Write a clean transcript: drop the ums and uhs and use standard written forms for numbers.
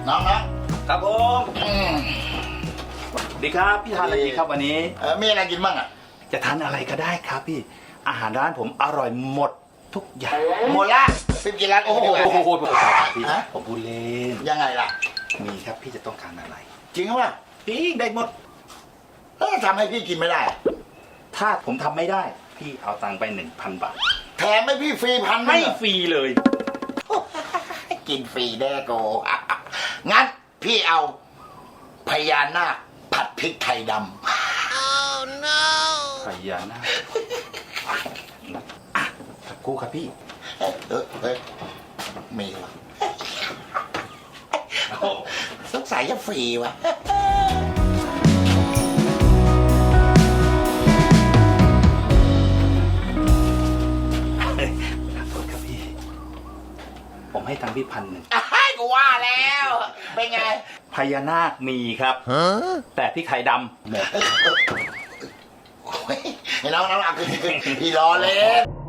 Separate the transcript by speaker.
Speaker 1: น้อง
Speaker 2: ครับผมดีครับพี่ทานอะไรดีครับวันนี้
Speaker 1: มีอะไรกินบ้างอ่ะ
Speaker 2: จะทานอะไรก็ได้ครับพี่อาหารร้านผมอร่อยหมดทุกอย่าง
Speaker 1: หมดละพี่กินร้านโอ้โห
Speaker 2: พี่ผมพูดเล่น
Speaker 1: ยังไงล่ะ
Speaker 2: มีครับพี่จะต้องการอะไร
Speaker 1: จริงหรือเปล่า
Speaker 2: พี่ได้หมด
Speaker 1: แล้วทำให้พี่กินไม่ได้
Speaker 2: ถ้าผมทำไม่ได้พี่เอาตังค์ไป 1,000 บาท
Speaker 1: แถมให้พี่ฟรี1,000
Speaker 2: ไม่ฟรีเลย
Speaker 1: กินฟรีแน่โกงั้นพี่เอาพญานาคผัดพริกไทยดำ
Speaker 2: พญานาคอ่ะสักครู่ครับพี่
Speaker 1: เฮ้ยมีวะสงสัยจะฟรีวะ
Speaker 2: ขอโทษครับพี่ ผมให้ตังค์พี่1,000
Speaker 1: กูว่าแล้วเป็นไง
Speaker 2: พญานาคมีครับแต่พี่ไข่ดำหมด
Speaker 1: น้องเอาคือพี่รอเล่น